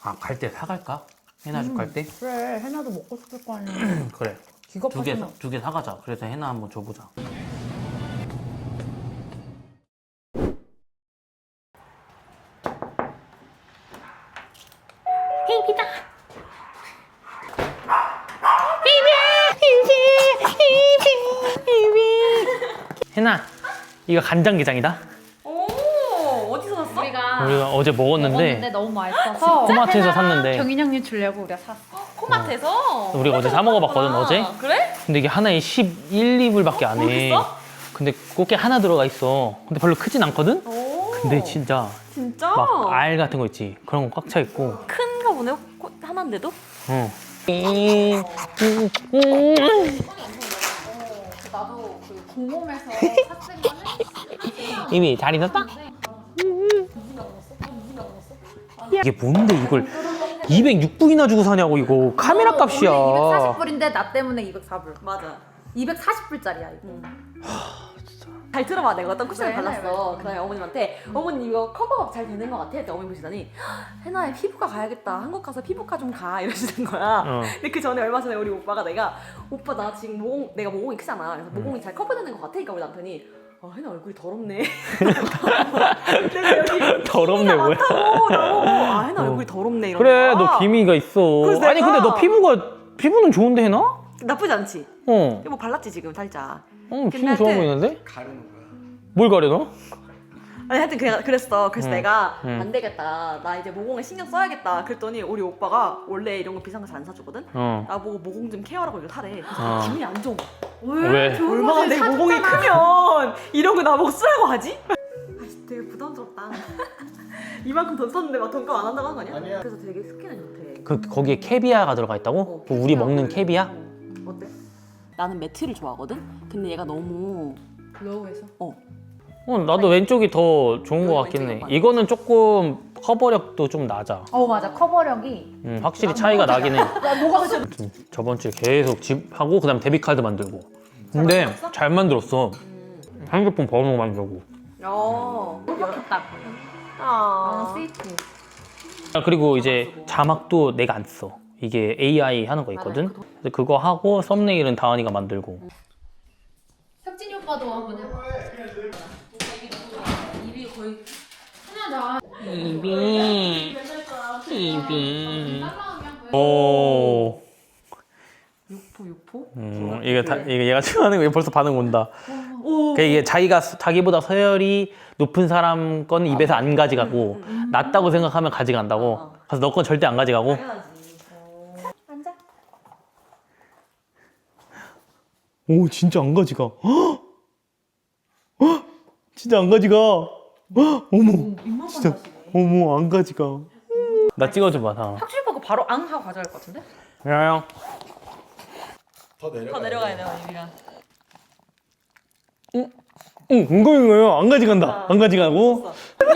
아, 갈 때 사갈까? 해나 집 갈 때? 그래, 해나도 먹고 싶을 거 아니야. 그래. 기가 두 개 파잖아. 사가자. 그래서 해나 한번 줘보자. 헤이비다. 해나, 이거 간장게장이다. 오, 어디서 샀어? 우리가 어제 먹었는데 먹었는데 너무 맛있어서 코마트에서 샀는데 경인 형님 주려고 우리가 샀어. 코마트에서? 우리가 어제 사 먹어봤거든, 어제. 그래? 근데 이게 하나에 11, 2불밖에 안 해. 모르겠어? 근데 꽃게 하나 들어가 있어. 근데 별로 크진 않거든? 오. 근데 진짜 진짜? 막 알 같은 거 있지. 그런 거 꽉 차 있고. 큰가 보네, 하나인데도? 어. 나도 그 공홈에서 샀을 거는 이미 잘 익었다? 이게 뭔데 이걸 206불이나 주고 사냐고 이거 카메라 값이야. 240불인데 나 때문에 204불. 맞아. 240불짜리야 이거. 잘 들어봐. 내가 어떤 쿠션을 그래, 발랐어. 그다음에 어머님한테 어머님 이거 커버가 잘 되는 것 같아. 그때 어머니 보시더니 해나야 피부과 가야겠다. 한국 가서 피부과 좀 가 이러시는 거야. 어. 근데 그 전에 얼마 전에 우리 오빠가 내가 오빠 나 지금 내가 모공이 크잖아. 그래서 모공이 잘 커버되는 것 같으니까 우리 남편이 해나 얼굴이 더럽네. 내가 여기 더럽네 뭐야. 해나 얼굴이 더럽네 이런 그래 거야. 너 기미가 있어. 그래서 아니 근데 내가- 너 피부는 좋은데 해나? 나쁘지 않지? 어. 이거 뭐 발랐지 지금 살짝. 피부 좋아 하여튼- 보이는데? 가르는 거야. 뭘 가려 너? 아니 하여튼 그랬어. 그래서 내가 응. 안 되겠다. 나 이제 모공에 신경 써야겠다. 그랬더니 우리 오빠가 원래 이런 거 비싼 거 잘 안 사주거든. 어. 나보고 모공 좀 케어하라고 이거 사래. 그래서 어. 기분이 안 좋은 거야. 왜? 얼마나 내 모공이 크면 이런 거 나보고 쓰라고 하지? 아씨 되게 부담스럽다. 이만큼 돈 썼는데 막 돈값 안 한다고 하는 거 아니야? 아니야. 그래서 되게 스킨은 좋대. 거기에 캐비아가 들어가 있다고? 그 우리 먹는 캐비아? 어때? 나는 매트를 좋아하거든? 근데 얘가 너무 로우에서. 나도 왼쪽이 더 좋은 거 여기 같긴 해. 왼쪽이 맞아. 이거는 조금 커버력도 좀 낮아. 맞아 커버력이. 확실히 차이가 나긴 해. 야 뭐가 진짜. 저번 주에 계속 집 하고 그다음 데뷔카드 만들고. 근데 잘 만들었어. 핸드폰 번호 만들고. 좋다. 아. 너무 스위트. 그리고 이제 자막도 내가 안 써. 이게 AI 하는 거 있거든. 그래서 그거 하고 썸네일은 다은이가 만들고. 혁진이 오빠도 한번 해봐. 입이 거의 하나다. 입이. 오. 육포? 이게 얘가 좋아하는 거 벌써 반응 온다. 그러니까 이게 자기보다 서열이 높은 사람 건 입에서 안 가져가고 낮다고 생각하면 가져간다고. 그래서 너 건 절대 안 가져가고. 앉아. 오 진짜 안 가져가. 헉! 헉! 진짜 안 가져가. 헉! 어머 진짜 어머 안 가져가. 나 찍어줘봐 다. 확실히 보고 바로 앙 하고 가져갈 것 같은데? 야야. 더 내려가. 더 내려가야 돼, 언니가. 응 이거요. 안 가져간다. 안 가져가고.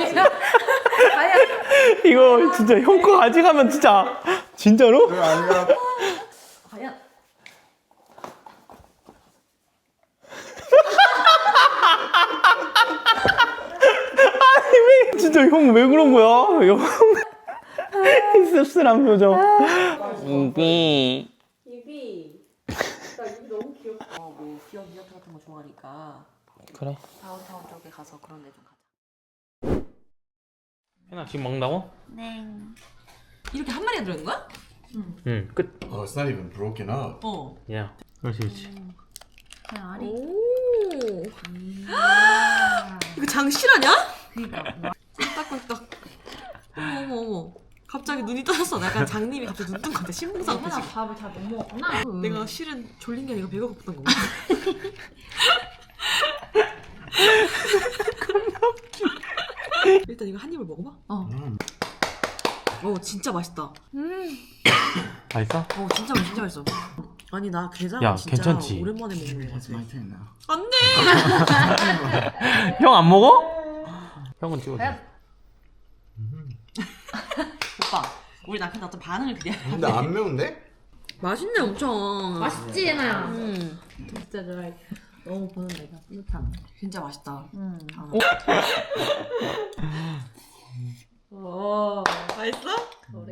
이거 진짜 형 거 가져가면 진짜로? 그거 아니야. 과연? 진짜 형 왜 그런 거야? 형 씁쓸한 표정. 우비. 입이 나 입이 너무 귀엽다. 뭐 귀여운 디저트 같은 거 좋아하니까 그래. 다운타운 쪽에 가서 그런 데 좀 가자. 해나 지금 먹는다고? 네. 이렇게 한 마리가 들어있는 거야? 응. 끝. Oh, it's not even broken up. 어. 야. 그렇지. 그냥 알이. 오. 이거 장실하냐? 그니까. 꿀떡꿀떡. 어머. 갑자기 눈이 떠졌어. 약간 장님이 갑자기 눈 뜬 것 같아. 신봉사 같아 지금. 밥을 잘 못 먹었구나. 내가 실은 졸린 게 아니라 배가 고팠던 건가? 일단 이거 한 입을 먹어봐. 진짜 맛있다. 맛있어? 진짜 맛있어. 아니 나 게장 야, 진짜 괜찮지? 오랜만에 먹는 거 It's my 같아. turn now. 안 돼. 형 안 먹어? 형은 찍어줘. 오빠, 우리 남편 어떤 반응을 기대해. 근데 안 매운데? 맛있네 엄청. 맛있지 얘나야. 진짜 좋아해. 너무 보는 내가 뿌듯함. 진짜 맛있다. 오. 맛있어?